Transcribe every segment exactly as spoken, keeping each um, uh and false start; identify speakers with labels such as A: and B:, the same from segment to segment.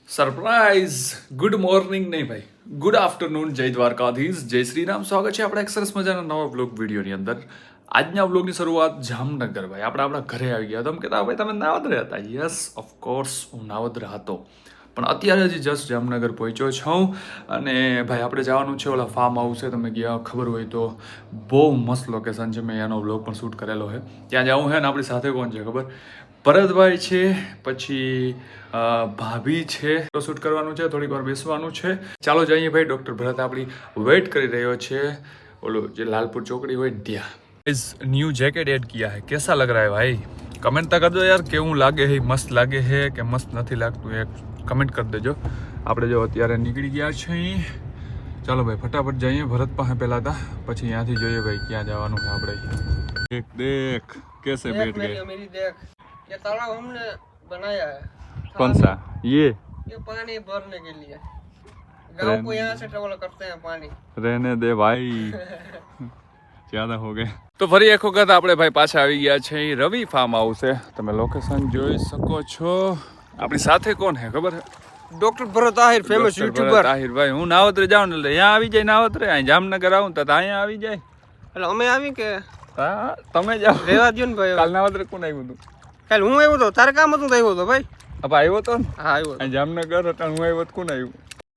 A: Surprise. Good morning નહીં ભાઈ, good afternoon. જય દ્વારકાધીશ, જય શ્રી રામ. સ્વાગત છે આપણા એક સરસ મજાના નવા બ્લોગ વિડીયોની અંદર. આજના બ્લોગની શરૂઆત જામનગર ભાઈ આપણે આપણા ઘરે આવી ગયા. તમે કહેતા ભાઈ તમે નાવદરે હતા. યસ ઓફકોર્સ હું નાવદરે હતો, પણ અત્યારે હજી જસ્ટ જામનગર પહોંચ્યો છું. અને ભાઈ આપણે જવાનું છે ઓલા ફાર્મ હાઉસ છે, તમને ગયા ખબર હોય તો બહુ મસ્ત લોકેશન છે. મેં એનો બ્લોગ પણ શૂટ કરેલો છે. ત્યાં જવું છે ને આપણી સાથે કોણ છે ખબર? ભરતભાઈ છે, પછી ભાભી છે. શૂટ કરવાનું છે, થોડીક વાર બેસવાનું છે. ચાલો જઈએ ભાઈ. ડૉક્ટર ભરત આપણી વેઇટ કરી રહ્યો છે ઓલો જે લાલપુર ચોકડી હોય ને ત્યાં. इस न्यू जैकेट ऐड किया है, कैसा लग रहा है भाई? कमेंट तो कर दो यार, કેવું લાગે છે? મસ્ત લાગે છે કે મસ્ત નથી લાગતું? એક કમેન્ટ કરી દેજો. આપણે જો અત્યારે નીકળી ગયા છીએ. ચાલો ભાઈ ફટાફટ જઈએ ભરત પાસે પહેલા હતા, પછી ત્યાંથી જોઈએ ભાઈ ક્યાં જવાનું છે આપણે. દેખ દેખ कैसे बैठ गए.
B: मेरी देख, ये तालाब हमने बनाया है.
A: कौन सा? ये
B: ये पानी भरने के लिए गांव को यहाँ से ट्रेवल करते हैं पानी.
A: रहने दे भाई, જ્યાદા હો ગયા. તો ફરી એક વખત આપણે ભાઈ પાછા આવી ગયા છે રવિ ફાર્મ હાઉસ છે. તમે લોકેશન જોઈ શકો છો. આપણી સાથે કોણ છે ખબર છે?
B: Doctor Bharat Ahir, famous YouTuber.
A: Ahir ભાઈ હું નાવતરે જાઉં ને એટલે અહીંયા આવી જાય. નાવતરે અહીં જામનગર આવું તો અહીંયા આવી જાય.
B: એટલે અમે આવી કે
A: હા તમે જાઓ,
B: રેવા દો ને ભાઈ.
A: કાલ નાવતરે કોણ આવ્યું હતું?
B: કાલ હું આવ્યો તો, તારે કામ હતું તો આવ્યો તો ભાઈ.
A: હવે આવ્યો તો ને?
B: હા આવ્યો.
A: અહીં જામનગર હતા હું આવ્યો તો કોણ આવ્યું?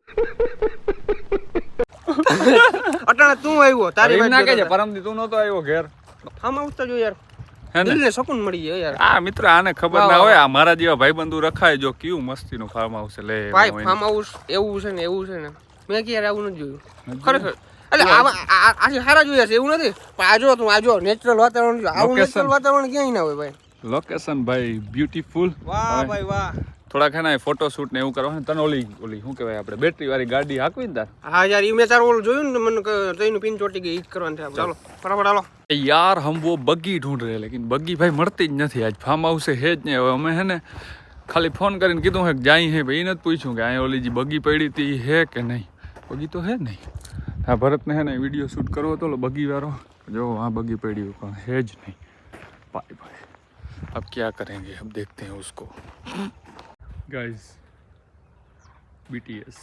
B: અટાણે તું આવ્યો, તારી વાત
A: ના કહેજે. પરમદી તું નહોતો આવ્યો ઘેર.
B: ફાર્મ હાઉસ તો જો યાર,
A: હે ને?
B: દિલને સુકૂન મળી જાય યાર.
A: આ મિત્ર આને ખબર ના હોય, આ મારા જેવા ભાઈબંધુ રખાય જો કેવું મસ્તીનું ફાર્મ હાઉસ છે. લે
B: ભાઈ ફાર્મ હાઉસ એવું છે ને એવું છે ને, મેં ક્યારે આવું નથી જોયું ખરેખર. એટલે આજે સારા જોયા છે એવું નથી, પણ આજો તું આજો નેચરલ વાતાવરણ. આવું નેચરલ વાતાવરણ ક્યાંય ના હોય ભાઈ.
A: લોકેશન ભાઈ બ્યુટીફુલ.
B: વાહ ભાઈ વાહ.
A: થોડાક હે ને ફોટો શૂટ ને એવું કરવાનું. તને ઓલી ઓલી શું કહેવાય આપણે બેટરી વાળી ગાડી હાકવી ને તાર?
B: હા યાર ઈ મેં તારું ઓલું જોયું ને, મને ટ્રેનનું પિન ચોટી ગઈ. ઈ જ કરવાનું છે. ચાલો ફટાફટ હાલો
A: यार. हम वो बग्गी ढूंढ रहे हैं लेकिन बग्गी भाई મળતી જ નથી. આજ ફાર્મ હાઉસ છે જ નહીં. હવે અમે હે ને ખાલી ફોન કરીને કીધું હે કે જાય હે ભાઈ. એને જ પૂછ્યું કે અહીંયા ઓલી જે બગ્ગી પડી હતી હે કે નહીં. બગ્ગી તો હે નહીં. હા ભરતને હે ને વિડીયો શૂટ કરવો હતો બગ્ગી વાળો. જો હા બગ્ગી પડી પણ હે જ નહીં. ભાઈ ભાઈ अब क्या करेंगे, अब देखते हैं उसको. गाइस बीटीएस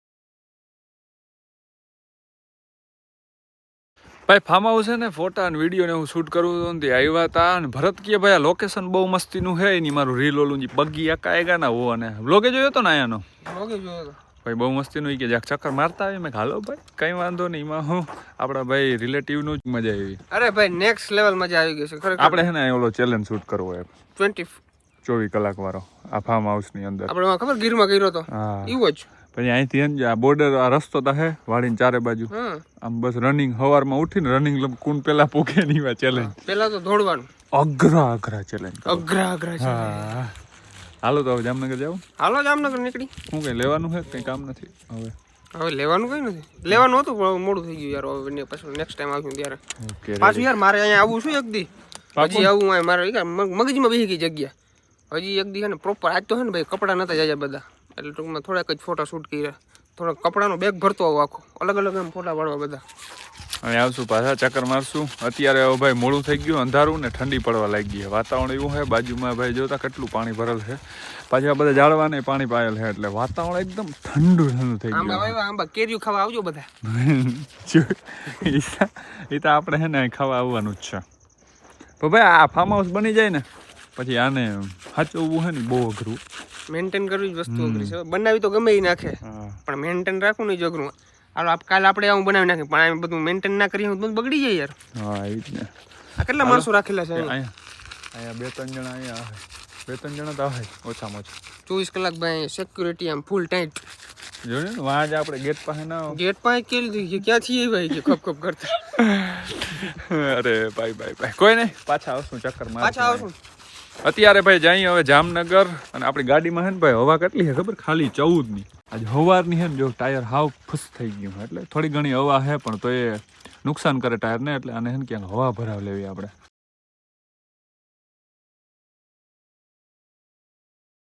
A: ભાઈ ફાર્મ હાઉસ છે ને ફોટા અને વિડીયો ને હું શૂટ કરું તો ને આવ્યા હતા. અને ભરત કે ભાઈ આ લોકેશન બહુ મસ્તીનું છે. એની મારું રીલ ઓલું જે બગ્ગી એકાએગા ના હો. અને બ્લોગે જોયો હતો ને અહીંયાનો
B: ઓકે જોયો તો
A: ભાઈ બહુ મસ્તીનું. કે જ્યાં ચક્કર મારતા આવી મેં હાલો ભાઈ કંઈ વાંધો નહીં. એમાં હું આપણા ભાઈ રિલેટિવનું જ મજા આવી.
B: અરે ભાઈ નેક્સ્ટ લેવલ મજા આવી ગઈ છે ખરેખર.
A: આપણે છે ને ઓલો ચેલેન્જ શૂટ કરવો એમ
B: ટ્વેન્ટી
A: ચોવીસ કલાક વાળો આ ફાર્મ હાઉસની અંદર.
B: આપણે ખબર ગીરમાં કર્યો તો
A: હા
B: એવું જ.
A: પછી અહીંથી આ બોર્ડર આ રસ્તો તો હે વાડીને ચારે બાજુ. આમ બસ રનિંગ સવારમાં ઉઠીને રનિંગ કોણ પેલા પૂકે નહીં ચેલેન્જ.
B: પેલા તો દોડવાનું
A: અઘરા અઘરા ચેલેન્જ.
B: અઘરા અઘરા છે.
A: હા હાલો તો હવે જામનગર જાવ.
B: હાલો જામનગર નીકળી.
A: શું કઈ લેવાનું છે કઈ કામ નથી હવે?
B: હવે લેવાનું કઈ નથી. લેવાનું હતું પણ મોડું થઈ ગયું યાર. હવે પછી નેક્સ્ટ ટાઈમ આવ્યું ત્યારે પાછું યાર મારે અહીંયા આવવું છું એક દી. હજી આવું હોય મારે મગજમાં બેસી ગઈ જગ્યા. હજી એક દી છે ને પ્રોપર. આજ તો છે ને ભાઈ કપડાં નતા જાય બધા, એટલે ટૂંકમાં થોડાક જ ફોટા શૂટ કર્યા. થોડાક કપડાનો બેગ ભરતો આવો આખો અલગ અલગ એમ ફોટા પાડવા બધા.
A: હવે આવશું પાછા ચક્કર મારશું. અત્યારે હવે ભાઈ મોડું થઈ ગયું, અંધારું ને ઠંડી પડવા લાગી છે. વાતાવરણ એવું છે બાજુમાં ભાઈ જોતા કેટલું પાણી ભરેલ છે. પાછું આ બધા ઝાડવાને પાણી પાયેલ છે એટલે વાતાવરણ એકદમ ઠંડુ ઠંડુ થઈ ગયું.
B: આંબા આંબા કેરીઓ ખાવા આવજો બધા.
A: એ તો આપણે છે ને ખાવા આવવાનું જ છે. તો ભાઈ આ ફાર્મ હાઉસ બની જાય ને પછી આને સાચવવું છે ને બહુ અઘરું.
B: મેન્ટેન કરવી જ વસ્તુ અઘરી છે. બનાવી તો ગમે એ નાખે, પણ મેન્ટેન રાખવું નહીં જ અઘરું. હાલો કાલે આપણે આવું બનાવી નાખીએ, પણ આ બધું મેન્ટેન ના કરીએ બધું બગડી જાય યાર.
A: હા એ જ ને.
B: આ કેટલા માણસો રાખેલા છે
A: અહીંયા? અહીંયા બે ત્રણ જણા અહીંયા આવે. બે ત્રણ જણા તો આવે ઓછામાં ઓછા.
B: ચોવીસ કલાક ભાઈ સિક્યુરિટી આમ ફૂલ ટાઈટ.
A: જોયું ને વાં જ આપણે ગેટ પાસે ના
B: ગેટ પાસે કેલી દીધી ક્યાંથી એ ભાઈ કે ખપ ખપ કરતા.
A: અરે ભાઈ ભાઈ ભાઈ કોઈ નહીં, પાછા આવશું ચક્કર માર.
B: પાછા આવશું
A: અત્યારે ભાઈ જઈએ હવે જામનગર. અને આપણી ગાડીમાં છે ને ભાઈ હવા કેટલી છે ખબર? ખાલી ચૌદ ની. આજે હવારની છે ને જો ટાયર હાવ ફૂસ થઈ ગયું એટલે થોડી ઘણી હવા છે, પણ તો એ નુકસાન કરે ટાયરને. એટલે આને છે ને ક્યાંક હવા ભરાવ લેવી આપણે.